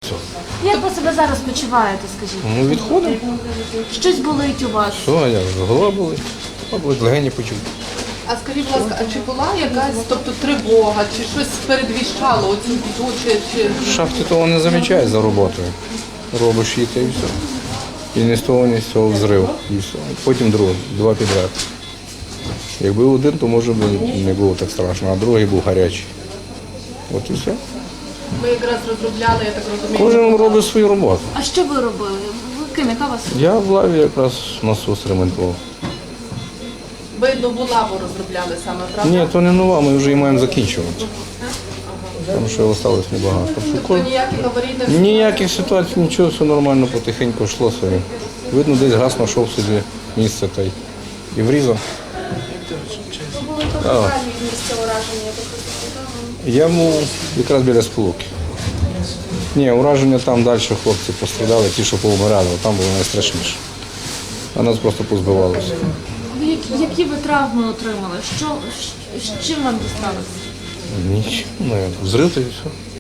Як ви себе зараз почуваєте, скажіть? Ну, відходимо. Щось болить у вас? Що, а як? Голова болить, легені почув. А скажіть, будь ласка, а чи була якась, тобто тривога, чи щось передвіщало оцю біду, чи... В шахті того не замічаєш за роботою. Робиш її та і все. І ні з того, ні з цього взрив. І все. Потім другий, два підряд. Якби один, то може б не було так страшно, а другий був гарячий. От і все. Ви якраз розробляли, я так розумію. Кожен робить свою роботу. А що ви робили? Ви ким? Яка у вас? Я в лаві якраз насос ремонтував. Ви нову лаву розробляли саме, правда? Ні, то не нова, ми вже її маємо закінчувати. Тому що залишилось небагато. Тобто ніяких аварійних... Ніяких ситуацій, нічого, все нормально, потихеньку йшло собі. Видно, десь газ знайшов собі місце та й і врізав. Я був якраз біля Сполуки. Ні, ураження там далі хлопці пострадали, ті, що повмирали, там було найстрашніше. А нас просто позбивалося. Які ви травми отримали? З чим вам дісталося? Нічого, взрив та і все.